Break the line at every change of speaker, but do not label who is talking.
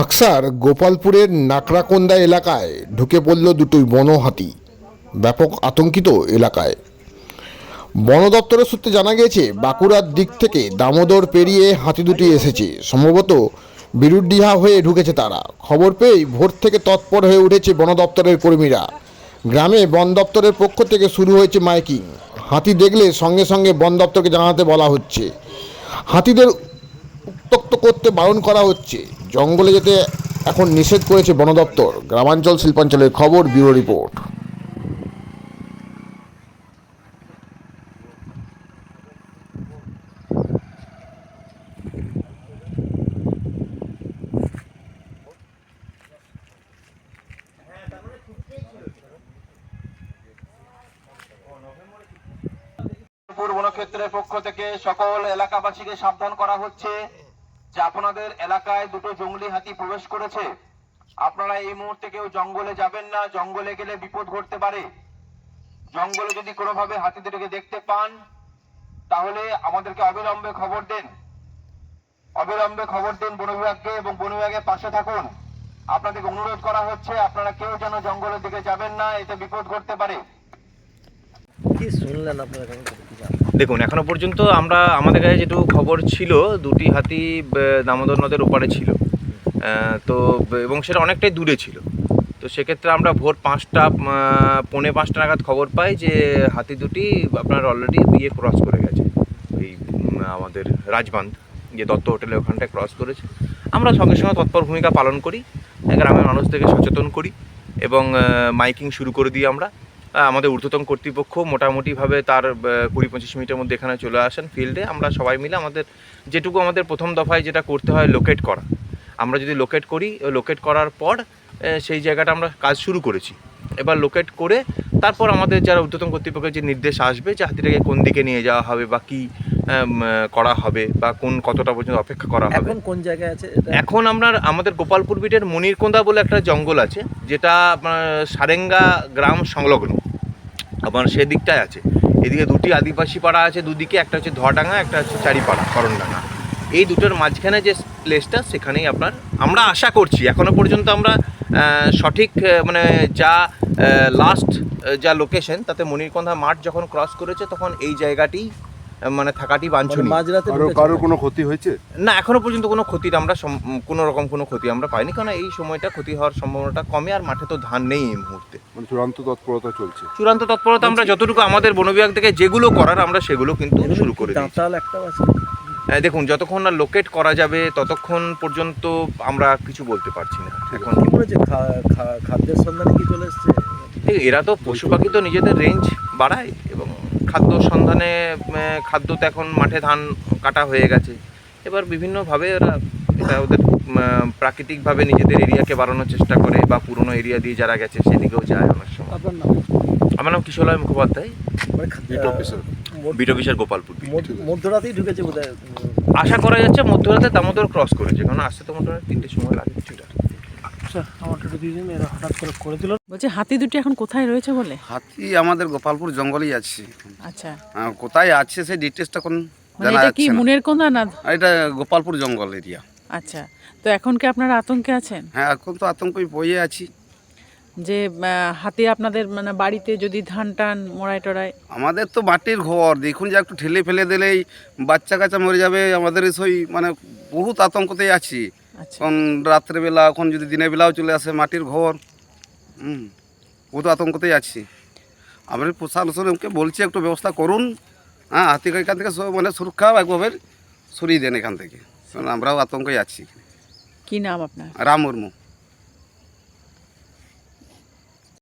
বাক্সার গোপালপুরের নাকড়াকোন্দা এলাকায় ঢুকে পড়ল দুটো বন হাতি। ব্যাপক আতঙ্কিত এলাকায়। বন দপ্তরের সূত্রে জানা গিয়েছে, বাঁকুড়ার দিক থেকে দামোদর পেরিয়ে হাতি দুটি এসেছে। সম্ভবত বিরুডিহা হয়ে ঢুকেছে তারা। খবর পেয়েই ভোর থেকে তৎপর হয়ে উঠেছে বন দপ্তরের কর্মীরা। গ্রামে বন দপ্তরের পক্ষ থেকে শুরু হয়েছে মাইকিং। হাতি দেখলে সঙ্গে সঙ্গে বন দপ্তরকে জানাতে বলা হচ্ছে। হাতিদের উত্ত্যক্ত করতে বারণ করা হচ্ছে। জঙ্গলে যেতে এখন নিষেধ করেছে বন দপ্তর। গ্রামাঞ্চল শিল্পাঞ্চলের খবর, ব্যুরো রিপোর্ট।
বনক্ষেত্রের পক্ষ থেকে সকল এলাকাবাসীকে সাবধান করা হচ্ছে যে আপনাদের এলাকায় দুটো জঙ্গলি হাতি প্রবেশ করেছে। আপনারা এই মুহূর্তে কেউ জঙ্গলে যাবেন না। জঙ্গলে গেলে বিপদ ঘটতে পারে। জঙ্গলে যদি কোনোভাবে হাতিদেরকে দেখতে পান তাহলে আমাদেরকে অবিলম্বে খবর দিন। অবিলম্বে খবর দিন বন বিভাগকে এবং বন বিভাগের পাশে থাকুন। আপনাদেরকে অনুরোধ করা হচ্ছে আপনারা কেউ যেন জঙ্গলের দিকে যাবেন না, এতে বিপদ ঘটতে পারে।
কি শুনলেন আপনারা?
দেখুন, এখনো পর্যন্ত আমাদের কাছে যেটুকু খবর ছিল, দুটি হাতি দামোদর নদের ওপারে ছিল। তো এবং সেটা অনেকটাই দূরে ছিল। তো সেক্ষেত্রে আমরা ভোর 5টা পৌনে 5টা নাগাদ খবর পাই যে হাতি দুটি আপনার অলরেডি ক্রস করে গেছে। এই আমাদের রাজবাঁধ যে দত্ত হোটেলের ওখানটায় ক্রস করেছে। আমরা সঙ্গে সঙ্গে তৎপর ভূমিকা পালন করি, গ্রামের মানুষদেরকে সচেতন করি এবং মাইকিং শুরু করে দিই আমরা। আমাদের ঊর্ধ্বতন কর্তৃপক্ষ মোটামুটিভাবে তার 20-25 মিনিটের মধ্যে এখানে চলে আসেন ফিল্ডে। আমরা সবাই মিলে আমাদের প্রথম দফায় যেটা করতে হয় লোকেট করা। আমরা যদি লোকেট করি, লোকেট করার পর সেই জায়গাটা আমরা কাজ শুরু করেছি। এবার লোকেট করে তারপর আমাদের যারা ঊর্ধ্বতন কর্তৃপক্ষের যে নির্দেশ আসবে যে হাতিটাকে কোন দিকে নিয়ে যাওয়া হবে বা কী করা হবে বা কতটা পর্যন্ত অপেক্ষা করা হবে।
এখন কোন জায়গায় আছে?
এখন আমাদের গোপালপুর বিটের মনিরকোন্দা বলে একটা জঙ্গল আছে, যেটা সারেঙ্গা গ্রাম সংলগ্ন। আপনার সেদিকটায় আছে। এদিকে দুটি আদিবাসী পাড়া আছে দুদিকে, একটা হচ্ছে ধোয়াডাঙ্গা, একটা হচ্ছে চারিপাড়া করণডাঙ্গা। এই দুটোর মাঝখানে যে প্লেসটা, সেখানেই আমরা আশা করছি। এখনও পর্যন্ত আমরা সঠিক যা লাস্ট যা লোকেশন, তাতে মনিরকোন্দা মাঠ যখন ক্রস করেছে তখন এই জায়গাটি থাকাটি বাঞ্ছনীয়।
কারোর কোনো ক্ষতি হয়েছে
না, এখনো পর্যন্ত কোনো ক্ষতির কোনো ক্ষতি আমরা পাইনি, কারণ এই সময়টা ক্ষতি হওয়ার সম্ভাবনাটা কমে। আর মাঠে তো ধান নেই এই মুহূর্তে।
চূড়ান্ত তৎপরতা চলছে।
চূড়ান্ত তৎপরতা আমরা যতটুকু আমাদের বন বিভাগ থেকে যেগুলো করার আমরা সেগুলো কিন্তু শুরু করে দিয়েছি। দেখুন, যতক্ষণ না লোকেট করা যাবে ততক্ষণ পর্যন্ত আমরা কিছু বলতে পারছি না। এখন
খাদ্যের সন্ধানে কি চলে এসছে?
এরা তো পশু পাখি তো নিজেদের রেঞ্জ বাড়ায় এবং খাদ্য সন্ধানে খাদ্য তো এখন মাঠে ধান কাটা হয়ে গেছে। এবার বিভিন্নভাবে এটা ওদের প্রাকৃতিকভাবে নিজেদের এরিয়াকে বাড়ানোর চেষ্টা করে বা পুরনো এরিয়া দিয়ে যারা গেছে সেদিকেও যায় অনেক সময়। আমার নাম কিশোরলাল মুখোপাধ্যায়, বিট অফিসার গোপালপুর।
মধ্যরাতেই ঢুকেছে বোধহয়,
আশা করা যাচ্ছে মধ্যরাতে দামোদর ক্রস করেছে, কারণ আসতে তো মোটামুটি 3টের সময় লাগে কিছুটা।
বলছে হাতি দুটি এখন কোথায় রয়েছে বলে?
হাতি আমাদের গোপালপুর জঙ্গলেই আছে।
আচ্ছা,
কোথায় আছে সেই ডিটেলসটা কোন জানা
এটা কি
যাচ্ছে না।
মনিরকোন্দা না?
এটা গোপালপুর জঙ্গল এরিয়া।
আচ্ছা, তো এখন কি আপনারা আতঙ্কে আছেন?
হ্যাঁ, এখন তো আতঙ্কই বইয়ে আছি
যে হাতি আপনাদের বাড়িতে যদি ধান টান মোড়াই টোড়ায়?
আমাদের তো মাটির ঘর, দেখুন যে একটু ঠেলে ফেলে দিলেই বাচ্চা কাচ্চা মরে যাবে। আমাদের সেই বহুত আতঙ্কতেই আছি। এখন রাত্রেবেলা, এখন যদি দিনের বেলাও চলে আসে, মাটির ঘর, বহুত আতঙ্কতেই আছি। আমরা প্রশাসনকে বলছি একটু ব্যবস্থা করুন। হ্যাঁ, হাতিকে এখান থেকে সুরক্ষা একভাবে সরিয়ে দেন এখান থেকে, কারণ আমরাও আতঙ্কে আছি।
কি নাম আপনার?
রাম মুর্মু।